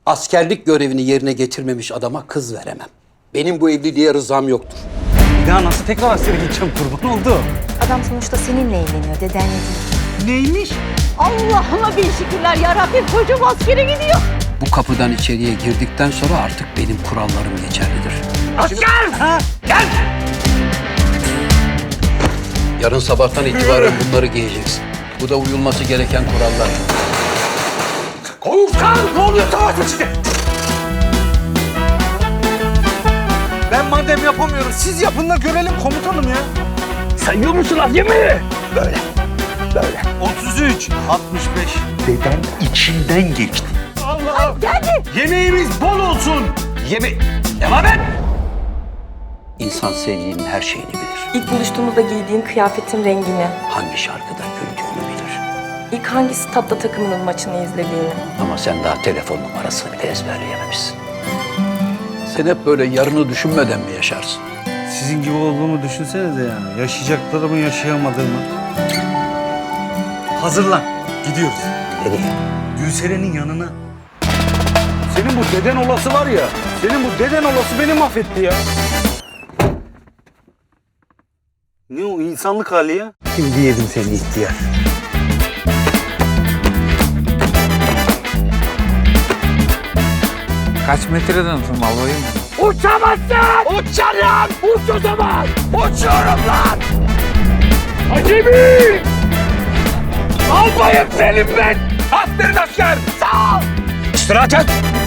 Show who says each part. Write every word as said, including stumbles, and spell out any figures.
Speaker 1: Askerlik görevini yerine getirmemiş adama kız veremem. Benim bu evliliğe rızam yoktur.
Speaker 2: Bir daha nasıl tekrar askere gideceğim, kurban oldu.
Speaker 3: Adam sonuçta seninle evleniyor, dedenle değil.
Speaker 2: Neymiş?
Speaker 4: Allah'ıma bin şükürler yarabbim, kocam askere gidiyor.
Speaker 1: Bu kapıdan içeriye girdikten sonra artık benim kurallarım geçerlidir.
Speaker 2: Asker! Ha? Gel!
Speaker 1: Yarın sabahtan itibaren bunları giyeceksin. Bu da uyulması gereken kurallar.
Speaker 2: Komutan! Ne oluyor? Savaş içinde! Ben madem yapamıyorum, siz yapın da görelim komutanım ya.
Speaker 5: Sayıyor musun az yemeği?
Speaker 2: Böyle, böyle. otuz üç, altmış beş.
Speaker 5: Deden içinden geçti.
Speaker 2: Allah'ım! Yemeğimiz bol olsun. Yeme... Devam et!
Speaker 1: İnsan sevdiğinin her şeyini bilir.
Speaker 6: İlk buluştuğumuzda giydiğin kıyafetin rengini,
Speaker 1: Hangi şarkıda güldüğünü bilir.
Speaker 6: ilk hangi statta takımının maçını izlediğini.
Speaker 1: Ama sen daha telefon numarasını bile ezberleyememişsin. Sen hep böyle yarını düşünmeden mi yaşarsın?
Speaker 2: Sizin gibi olduğumu düşünsenize yani. Yaşayacaklarımı, yaşayamadığımı. Hazırlan. Gidiyoruz.
Speaker 1: Nereye?
Speaker 2: Gülseren'in yanına. Senin bu deden olası var ya, senin bu deden olası beni mahvetti ya. Ne o insanlık hali ya? Şimdi yedim seni ihtiyar.
Speaker 7: Kaç metreden tırmalayayım?
Speaker 5: Uçamazsın! Uçarım! Uç o zaman! Uçuyorum lan! Acemi! Albayım senin ben! Aferin asker! Sağ ol! İstirahat et!